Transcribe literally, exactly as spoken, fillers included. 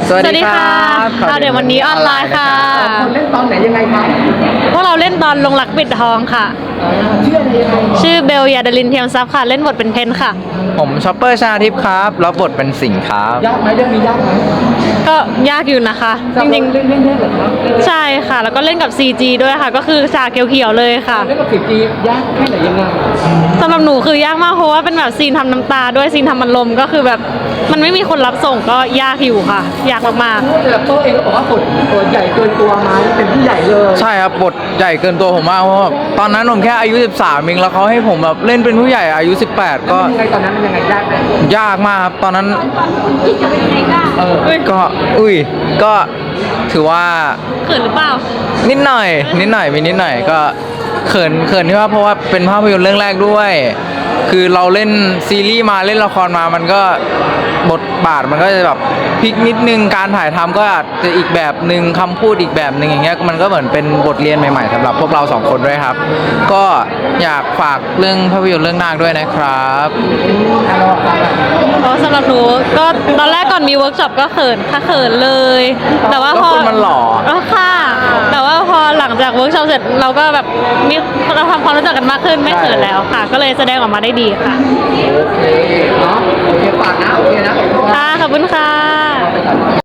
สวัสดีครับเอาเดี๋ยววันนี้ออนไลน์ค่ะคนเล่นตอนไหนยังไงครับพวกเราเล่นตอนลงรักปิดทองค่ะชื่ออะไรยังไงชื่อเบลยาดาลินเทียมทรัพย์ค่ะ เล่นบทเป็นเพนค่ะผมชอปเปอร์ชาทิพย์ครับรับบทเป็นสิงห์ครับยากไหมเรื่องนี้ยากไหมก็ยากอยู่นะคะ จริงเล่นเล่นเล่นเหรอครับๆ ใช่ค่ะ แล้วก็เล่นกับ ซี จี ด้วยค่ะ ก็คือฉากเขียวๆเลยค่ะเล่นกับสิบจียากแค่ไหนยังไงสำหรับหนูคือยากมากเพราะว่าเป็นแบบซีนทำน้ำตาด้วยซีนทำมันลมก็คือแบบมันไม่มีคนรับส่งก็ยากอยู่ค่ะ ยากมากพูดแบบโต้เองก็บอกว่าบทตัวใหญ่เกินตัวไหมเป็นผู้ใหญ่เลยใช่ครับบทใหญ่เกินตัวผมมากเพราะว่าตอนนั้นผมแค่อายุสิบสามเองแล้วเขาให้ผมแบบเล่นเป็นผู้ใหญ่อายุสิบแปดก็ยังไงตอนนั้นมันยังไงยากไหมยากมากครับตอนนั้นเออๆเฮ้ยก็อุ้ยก็ถือว่าเขินหรือเปล่านิดหน่อย นิดหน่อยมีนิดหน่อยก็เขินเขินที่ว่าเพราะว่าเป็นภาพยนตร์เรื่องแรกด้วย คือเราเล่นซีรีส์มาเล่นละครมามันก็บทบาทมันก็จะแบบพลิกนิดนึงการถ่ายทำก็อาจจะอีกแบบหนึ่งคำพูดอีกแบบหนึ่งอย่างเงี้ยมันก็เหมือนเป็นบทเรียนใหม่ๆสำหรับพวกเราสองคนด้วยครับ ก็อยากฝากเรื่องภาพยนตร์เรื่องนาคด้วยนะครับเพราะสำหรับหนูก็ตอนแรกก่อนมีเวิร์กช็อปก็เขินค่ะเขินเลย แต่ว่าพอก็คนมันหล่อเออค่ะ แต่ว่าพอหลังจากเวิร์กช็อปเสร็จเราก็แบบมีเราทำความรู้จักกันมากขึ้นไม่เขินแล้วค่ะ ก็เลยแสดงออกมาได้ดีค่ะโอเคเนาะโอเคฝากนะโอเคนะค่ะขอบคุณค่ะ